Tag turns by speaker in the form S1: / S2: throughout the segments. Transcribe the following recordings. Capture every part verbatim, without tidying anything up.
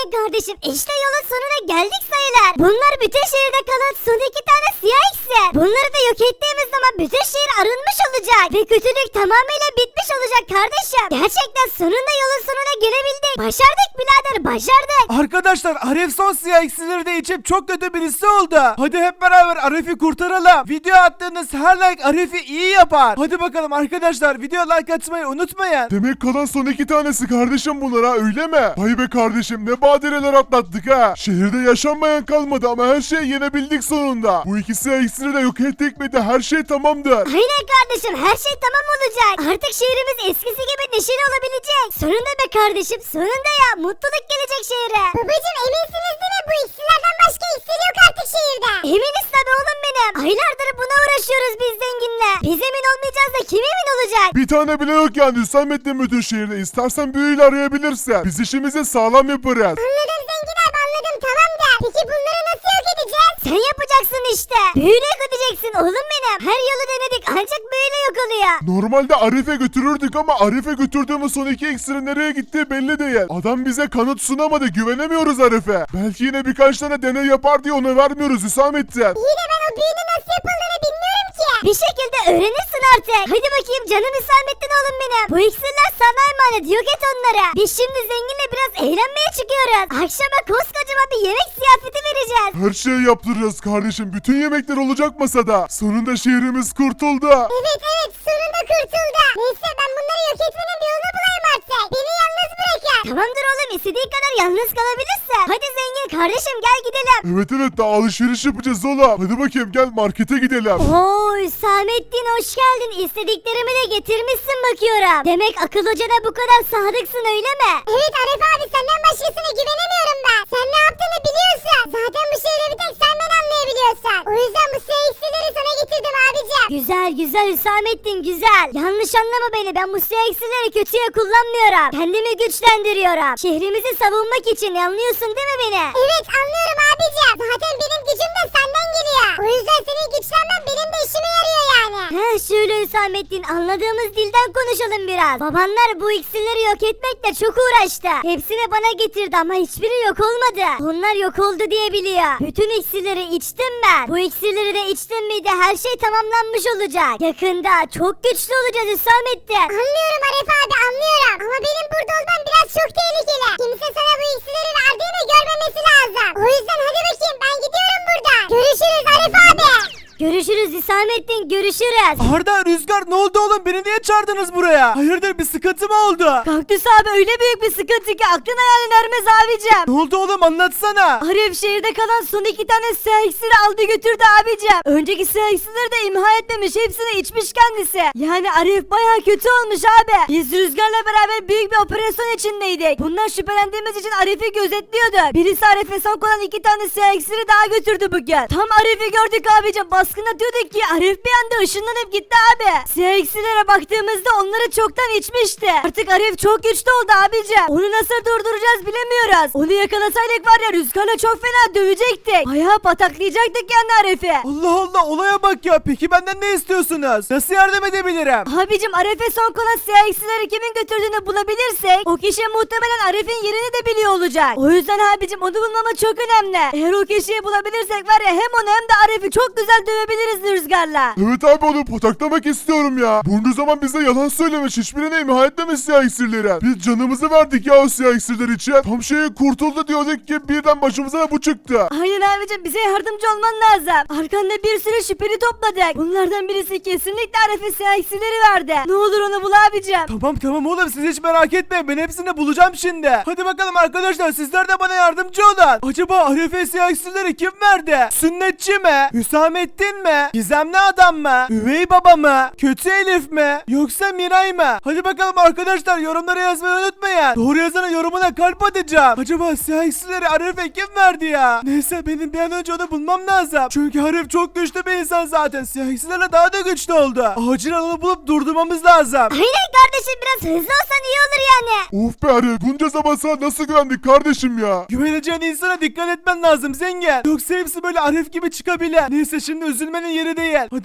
S1: kardeşim işte yolun sonuna geldik sayılır. Bunlar bütün şehirde kalan son iki tane siyah iksir. Bunları da yok ettiğimiz zaman bütün şehir arınmış olacak. Ve kötülük tamamıyla bitmiş olacak kardeşim. Gerçekten sonunda yolun sonuna gelebildik. Başardık birader başardık.
S2: Arkadaşlar Arif son siyah iksirleri de içip çok kötü birisi oldu. Hadi hep beraber Arif'i kurtaralım. Video attığınız her like Arif'i iyi yapar. Hadi bakalım arkadaşlar video like atmayı unutmayın.
S3: Demek kalan son iki tanesi kardeşim bunlar ha, öyle mi? Vay be kardeşim, ne badireler atlattık ha. Şehirde yaşanmayan kalmadı ama her şeyi yenebildik sonunda. Bu ikisi iksiri de yok ettik mi de her şey tamamdır.
S1: Aynen kardeşim her şey tamam olacak. Artık şehrimiz eskisi gibi neşeli olabilecek. Sonunda be kardeşim sonunda ya mutluluk gelecek şehre. Babacım eminsiniz değil mi bu iksirlerden başka iksir yok artık şehirde. Eminiz tabi oğlum benim. Aylardır buna uğraşıyoruz biz zenginle. Biz emin olmayacağız da kim emin olacak?
S3: Bir tane bile yok yani Hüsamettin bütün şehirde. İstersen büyüyle arayabilirsin. Biz işimizi sağlam yaparız.
S1: Anladım zengin abi anladım tamam da. Peki bunları nasıl yok edeceğiz? Sen yapacaksın işte. Büyüyle yok edeceksin oğlum benim. Her yolu denedik ancak büyüyle yok oluyor.
S3: Normalde Arif'e götürürdük ama Arif'e götürdüğümüz son iki iksirin nereye gittiği belli değil. Adam bize kanıt sunamadı, güvenemiyoruz Arif'e. Belki yine birkaç tane deney yapar diye ona vermiyoruz Hüsamettin.
S1: İyi de ben o büyünün nasıl yapıldığını bilmiyorum ki. Bir şekilde öğrenirsin artık. Hadi bakayım canım Hüsamettin oğlum benim. Bu iksirler sana emanet yok et onlara. Biz şimdi zenginle biraz eğlenmeye çıkıyoruz. Akşama koskocaman bir yemek ziyafeti vereceğiz.
S3: Her şeyi yaptıracağız kardeşim. Bütün yemekler olacak masada. Sonunda şehrimiz kurtuldu.
S1: Evet evet sonunda kurtuldu. Neyse ben bunları yok etmenin bir yolunu bulayım artık. Beni yalnız bırakın. Tamamdır oğlum istediğin kadar yalnız kalabilirsin. Hadi zengin kardeşim gel gidelim.
S3: Evet evet, daha alışveriş yapacağız oğlum. Hadi bakayım gel markete gidelim.
S1: Oo Hüsamettin hoş geldin. İstediklerimi de getirmişsin bakıyorum. Demek akıl hocana bu kadar sadıksın öyle mi? Evet Arif abi senden başkasına güvenemiyorum ben. Sen ne yaptığını biliyorsun. Zaten bu şehirde bir tek sen beni anlayabiliyorsun. O yüzden bu siyah iksirleri sana getirdim abicim. Güzel güzel Hüsamettin güzel. Yanlış anlama beni, ben bu siyah iksirleri kötüye kullanmıyorum. Kendimi güçlendiriyorum. Şehrimizi savunmak için, anlıyorsun değil mi beni? Evet anlıyorum abicim. Zaten benim gücüm de senden geliyor. O yüzden senin güçlenmen benim de işime yarıyor yani. He şöyle Hüsamettin, anladığımız dilden konuşalım biraz. Babanlar bu iksirleri yok etmekle çok uğraştı. Hepsini bana getirdi ama hiçbiri yok olmadı. Onlar yok oldu diye biliyor. Bütün iksirleri içtim ben. Bu iksirleri de içtim miydi her şey tamamlanmış olacak. Yakında çok güçlü olacağız Hüsamettin. Anlıyorum Arif abi anlıyorum. Ama benim burada olmam biraz çok tehlikeli. Kimse sana bu iksirleri verdiğimi görmemesi lazım. O yüzden hadi bakayım ben gidiyorum buradan. Görüşürüz Arif abi. Görüşürüz Hüsamettin görüşürüz.
S2: Arda, Rüzgar ne oldu oğlum? Beni niye çağırdınız buraya? Hayırdır, bir sıkıntı mı oldu?
S4: Kaktüs abi öyle büyük bir sıkıntı ki aklın hayalin ermez abicim.
S2: Ne oldu oğlum, anlatsana.
S4: Arif şehirde kalan son iki tane siyah iksiri aldı götürdü abicim. Önceki siyah iksirleri de imha etmemiş, hepsini içmiş kendisi. Yani Arif baya kötü olmuş abi. Biz Rüzgar'la beraber büyük bir operasyon içindeydik. Bundan şüphelendiğimiz için Arif'i gözetliyordu. Birisi Arif'e son kalan iki tane siyah iksiri daha götürdü bugün. Tam Arif'i gördük abicim, baskın atıyorduk ki Arif bir anda ışınlanıp gitti abi. Siyah iksirlere baktığımızda onları çoktan içmişti. Artık Arif çok güçlü oldu abicim. Onu nasıl durduracağız bilemiyoruz. Onu yakalasaydık var ya Rüzgar'la çok fena dövecektik. Bayağı pataklayacaktık yani Arif'i.
S2: Allah Allah, olaya bak ya. Peki benden ne istiyorsunuz? Nasıl yardım edebilirim?
S4: Abicim Arif'e son kalan siyah iksirleri kimin götürdüğünü bulabilirsek o kişi muhtemelen Arif'in yerini de biliyor olacak. O yüzden abicim onu bulmamız çok önemli. Eğer o kişiyi bulabilirsek var ya hem onu hem de Arif'i çok güzel dövebiliriz Rüzgar'la.
S3: Evet abi, onu pataklamak istiyorum ya. Bunca zaman bize yalan söylemiş, hiçbirine imha etmemiş siyah iksirleri. Biz canımızı verdik ya o siyah iksirler için. Tam şeyi kurtuldu diyorduk ki birden başımıza da bu çıktı.
S4: Aynen abicim, bize yardımcı olman lazım. Arkanda bir sürü şüpheli topladık. Bunlardan birisi kesinlikle Arif'e siyah iksirleri verdi. Ne olur onu bul abicim.
S2: Tamam tamam oğlum, siz hiç merak etmeyin, ben hepsini bulacağım şimdi. Hadi bakalım arkadaşlar, sizler de bana yardımcı olun. Acaba Arif'e siyah iksirleri kim verdi? Sünnetçi mi? Hüsamettin mi? Gizemli adam mı? Üvey baba mı? Kötü Elif mi? Yoksa Miray mı? Hadi bakalım arkadaşlar, yorumlara yazmayı unutmayın. Doğru yazana yorumuna kalp atacağım. Acaba siyah iksirleri Arif'e kim verdi ya? Neyse, benim bir an önce onu bulmam lazım. Çünkü Arif çok güçlü bir insan zaten. Siyah iksirlerle daha da güçlü oldu. Acilen onu bulup durdurmamız lazım.
S1: Aynen kardeşim biraz hızlı olsan iyi olur yani.
S3: Of be Arif, bunca zaman sana nasıl güvendik kardeşim ya?
S2: Güveneceğin insana dikkat etmen lazım zengin. Yoksa hepsi böyle Arif gibi çıkabilir. Neyse, şimdi üzülmenin yeri değil. Hadi bakalım,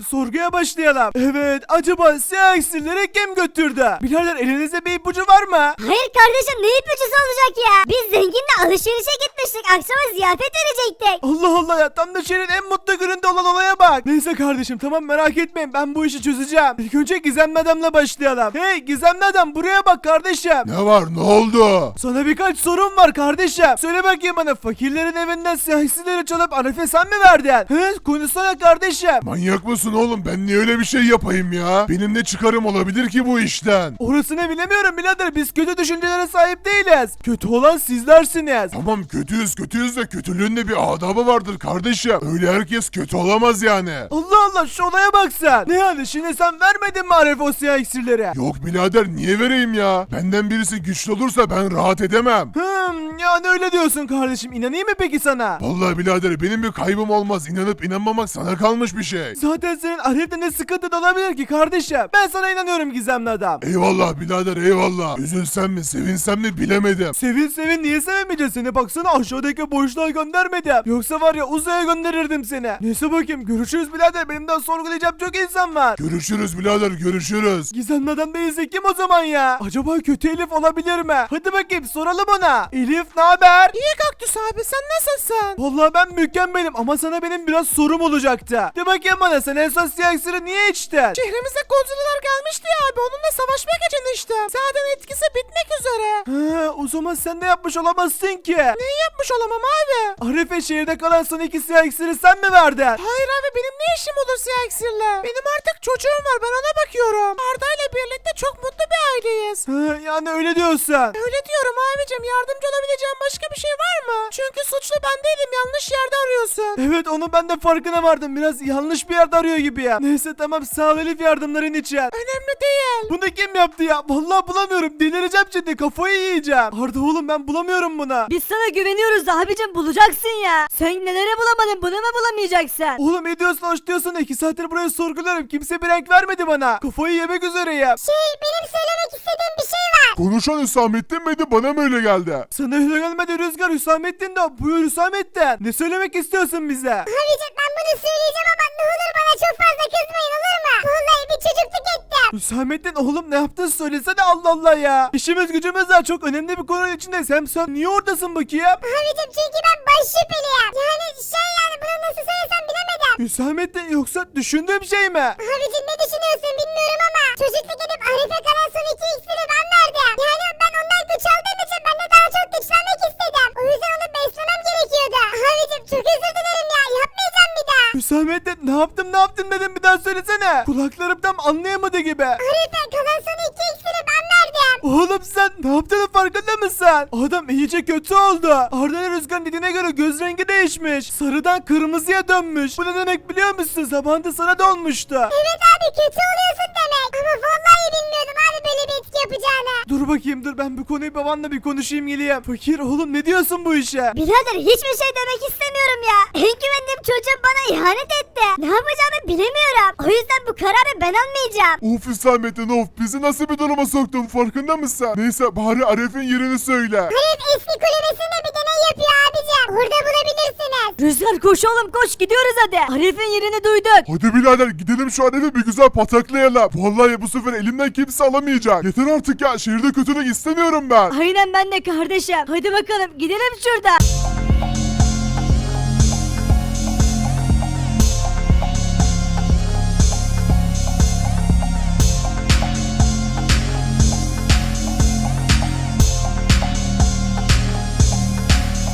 S2: sorguya başlayalım. Evet, acaba siyah iksirleri kim götürdü? Birader elinizde bir ipucu var mı?
S1: Hayır kardeşim ne ipucusu olacak ya? Biz zenginle alışverişe gitmiştik. Akşama ziyafet verecektik.
S2: Allah Allah ya, tam da şehrin en mutlu gününde olan olaya bak. Neyse kardeşim, tamam, merak etmeyin, ben bu işi çözeceğim. İlk önce Gizemli Adam'la başlayalım. Hey Gizemli Adam, buraya bak kardeşim.
S3: Ne var, ne oldu?
S2: Sana birkaç sorum var kardeşim. Söyle bakayım bana, fakirlerin evinden siyah iksirleri çalıp Arif'e sen mi verdin? He, konuşsana kardeşim.
S3: Manyak mısın oğlum? Ben niye öyle bir şey yapayım ya? Benim ne çıkarım olabilir ki bu işten?
S2: Orasını bilemiyorum birader, biz kötü düşüncelere sahip değiliz. Kötü olan sizlersiniz.
S3: Tamam, kötüyüz kötüyüz de kötülüğün de bir adabı vardır kardeşim. Öyle herkes kötü olamaz yani.
S2: Allah Allah, şu olaya bak sen. Ne yani, şimdi sen vermedin mi Arif o siyah iksirleri?
S3: Yok birader, niye vereyim ya? Benden birisi güçlü olursa ben rahat edemem.
S2: Hmm, yani öyle diyorsun kardeşim. İnanayım mı peki sana?
S3: Vallahi birader, benim bir kaybım olmaz. İnanıp inanmamak sana kalmış bir şey.
S2: Zaten senin Arif'te ne sıkıntı olabilir ki kardeşim? Ben sana inanıyorum Gizemli Adam.
S3: Eyvallah birader, eyvallah. Üzülsem mi sevinsem mi bilemedim.
S2: Sevin sevin, niye sevemeyeceğiz seni? Baksana, aşağıdaki boşluğa göndermedim. Yoksa var ya, uzaya gönderirdim seni. Neyse bakayım, görüşürüz birader. Benim daha sorgulayacağım çok insan var.
S3: Görüşürüz birader, görüşürüz.
S2: Gizemli Adam değilse kim o zaman ya? Acaba kötü Elif olabilir mi? Hadi bakayım soralım ona. Elif ne haber? İyi Kaktüs abi, sen nasılsın? Vallahi ben mükemmelim ama sana benim biraz sorum olacaktı. De bakayım bana, sen en son siyah iksiri niye içtin?
S5: Şehrimize Godzilla'lar gelmişti ya abi, onunla savaşmak için içtim. Zaten etkisi bitmek üzere.
S2: He, o zaman sen de yapmış olamazsın ki.
S5: Neyi yapmış olamam abi?
S2: Arife, şehirde kalan son iki siyah iksiri sen mi verdin?
S5: Hayır abi, benim ne işim olur siyah iksirle? Benim artık çocuğum var, ben ona bakıyorum. Arda ile birlikte çok mutlu bir aileyiz.
S2: He, yani öyle diyorsun.
S5: Öyle diyorum abicim, yardımcı olabileceğim başka bir şey var mı? Çünkü suçlu ben değilim, yanlış yerde arıyorsun.
S2: Evet, onun ben de farkına vardım. Biraz yanlış bir yerde arıyor gibi ya. Neyse tamam, sağ ol Elif yardımların için.
S5: Önemli değil.
S2: Bunu kim yaptı ya? Vallahi bulamıyorum. Delireceğim şimdi. Kafayı yiyeceğim. Arda oğlum, ben bulamıyorum bunu.
S4: Biz sana güveniyoruz da abicim, bulacaksın ya. Sen neleri bulamadın, bunu mu bulamayacaksın?
S2: Oğlum ne diyorsun, hoş diyorsun da iki saattir buraya sorguluyorum. Kimse bir renk vermedi bana. Kafayı yemek üzereyim.
S1: Şey benim söylemek istediğim bir şey var.
S3: Konuşan Hüsamettin miydi, bana mı öyle geldi?
S2: Sana öyle gelmedi Rüzgar, Hüsamettin de. Buyur Hüsamettin. Ne söylemek istiyorsun bize?
S1: Abicim ben bunu söyleyeceğim ama ne olur bana çok fazla kızmayın, olur mu? Vallahi bir çocukluk ettim.
S2: Hüsamettin oğlum, ne yaptın söylesene, Allah Allah ya. İşimiz gücümüz var, çok önemli bir konunun içindeyiz. Hem sen niye oradasın bakayım?
S1: Abicim çünkü ben baş şüpheliyim. Yani şey, yani bunu nasıl söylesem bilemedim.
S2: Hüsamettin, yoksa düşündüğüm şey mi?
S1: Abicim ne düşünüyorsun bilmiyorum ama çocukluk edip Arif'e kalan son iki iksiri ben verdim. Yani ben ondan güç aldığım için ben de daha çok güçlenmek istedim. O yüzden onu beslemem gerekiyordu. Abicim çok özür dilerim ya, yapmayacağım bir daha.
S2: Hüsamettin, ne yaptım ne yaptım dedim, bir daha söylesene. Kulaklarım tam anlayamadı gibi.
S1: Arif'e kalan son iki iksiri ben verdim.
S2: Oğlum sen ne yaptığının farkında mısın? Adam iyice kötü oldu. Arda'nın Rüzgar'ın dediğine göre göz rengi değişmiş. Sarıdan kırmızıya dönmüş. Bu ne demek biliyor musun? Zamanında sana da olmuştu.
S1: Evet abi, kötü oluyorsun demek. Ama vallahi bilmiyordum abi böyle bir etki yapacağını.
S2: Dur bakayım, dur ben bu konuyu babanla bir konuşayım geleyim. Fakir oğlum, ne diyorsun bu işe?
S1: Birader hiçbir şey demek istemiyorum ya. En güvendiğim çocuğum bana ihanet etti. Ne yapacağımı bilemiyorum. O yüzden bu kararı ben almayacağım.
S3: Of Hüsamettin of, bizi nasıl bir duruma soktun, farkında mısın? Neyse, bari Arif'in yerini söyle.
S1: Arif eski kulübesinde bir deney yapıyor abicim. Orada bulabilirsiniz.
S4: Rüzgar koş oğlum koş, gidiyoruz hadi. Arif'in yerini duyduk.
S3: Hadi birader, gidelim şu Arif'i bir güzel pataklayalım. Vallahi bu sefer elimden kimse alamayacak. Yeter artık ya, şehirde kötülük istemiyorum ben.
S4: Aynen, ben de kardeşim. Hadi bakalım gidelim şuradan.